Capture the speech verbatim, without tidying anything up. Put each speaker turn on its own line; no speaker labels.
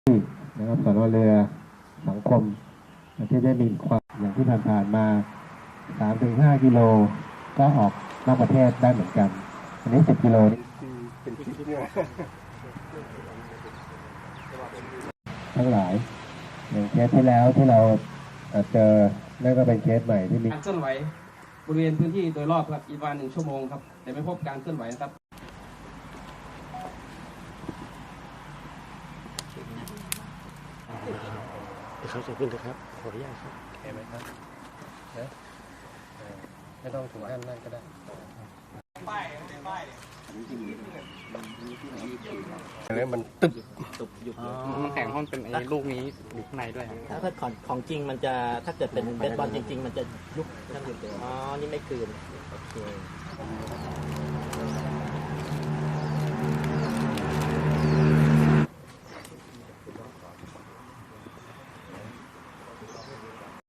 นะครับสนเรือสังคมที่ได้มีความอย่างที่ผ่านๆมา สามถึงห้า กิโลก็ออกนอกประเทศได้เหมือนกัน อันนี้ สิบ กิโลนี่เป็นคลิปเนี่ยทั้งหลายอย่างเคสที่แล้วที่เราเจอนั่นก็เป็นเคสใหม่ที่มี
การเคลื่อนไหวบริเวณพื้นที่โดยรอบครับอีกประมาณหนึ่งชั่วโมงครับแต่ไม่พบการเคลื่อนไหวนะครับ
เดี๋ยวเขาจะขึ้นนะครับขออนุญาตครับ
เห็นไหมครับนะไม่ต้องถึงขั้นนั่นก็ได้ป้ายป้ายแล้วมันตึบ
ตุบยุบ
มันแข็งห้องเป็นไอ้ลูกนี้อยู่ข้างในด้วย
ถ้าถ้าของของจริงมันจะถ้าเกิดเป็นเบสบอลจริงๆมันจะยุบนั่นอยู่เดียวอ๋อนี่ไม่คืนโอเค